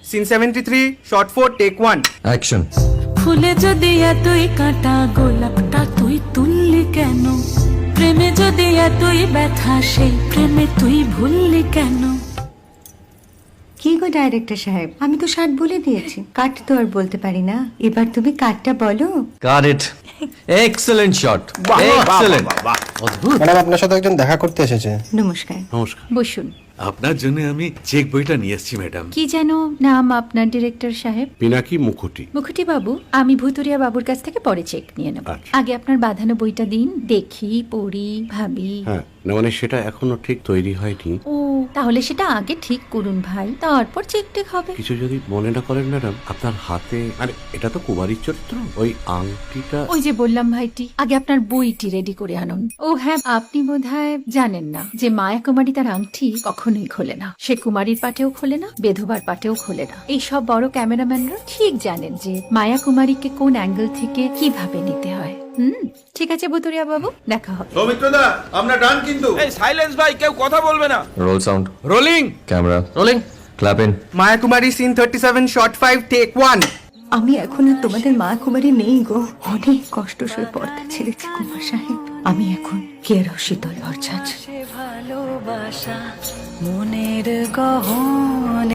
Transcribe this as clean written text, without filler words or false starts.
Scene 73 short 4 take 1 action. ফুলে যদি এতই কাঁটা গোলাপটা তুই তুললি কেন? প্রেমে যদি এতই ব্যথা সেই প্রেমে তুই ভুললি কেন? কি গো ডাইরেক্টর সাহেব, আমি তো 60 বলে দিয়েছি, কাট তো আর বলতে পারি না, এবার তুমি কাটটা বলো। Got it. Excellent shot, excellent. অদ্ভুত। ম্যাডাম, আপনার সাথে একজন দেখা করতে এসেছে। নমস্কার। নমস্কার। বসুন। আপনার জন্য আমি চেক বইটা নিয়ে এসেছি ম্যাডাম। কি যেন নাম আপনার ডিরেক্টর সাহেব? পিনাকি মুখোটি। মুখুটি বাবু, আমি ভুতুরিয়া বাবুর কাছ থেকে পরে চেক নিয়ে নেব। আচ্ছা। আগে আপনার বাঁধানো বইটা দিন, দেখি, পড়ি, ভাবি। হ্যাঁ, না মানে সেটা এখনো ঠিক তৈরি হয়নি। ও, তাহলে সেটা আগে ঠিক করুন ভাই, তারপর চেক টেক হবে। কিছু যদি মনে না করেন ম্যাডাম, আপনার হাতে, আরে এটা তো কুমারীর চরিত্র, ওই আংটিটা। ওই যে বললাম ভাইটি, আগে আপনার বইটি রেডি করে আনুন। ও হ্যাঁ, আপনি বোধহয় জানেন না যে মায়া কুমারী তার আংটি কখনোই খোলে না। সে কুমারীর পাটেও খোলে না, বেধবার পাটেও খোলে না। এই সব বড় ক্যামেরাম্যানরা ঠিক জানেন যে মায়া কুমারীকে কোন অ্যাঙ্গেল থেকে কিভাবে নিতে হয়। ঠিক আছে ভুতুরিয়া বাবু, দেখা হবে। সৌমিত্রদা, আমরা ডান কিন্তু। এই সাইলেন্স ভাই, কেউ কথা বলবে না। Roll sound, rolling. Camera rolling, clap in. Maya Kumari scene 37 shot 5 take 1 আমি এখন আর তোমাদের মা কুমারী নেই গো, অনেক কষ্ট সয়ে পর্দা ছেড়েছি কুমার সাহেব। আমি এখন কেরো শীতল ভরছাছ। ভালোবাসা মনের গহনে।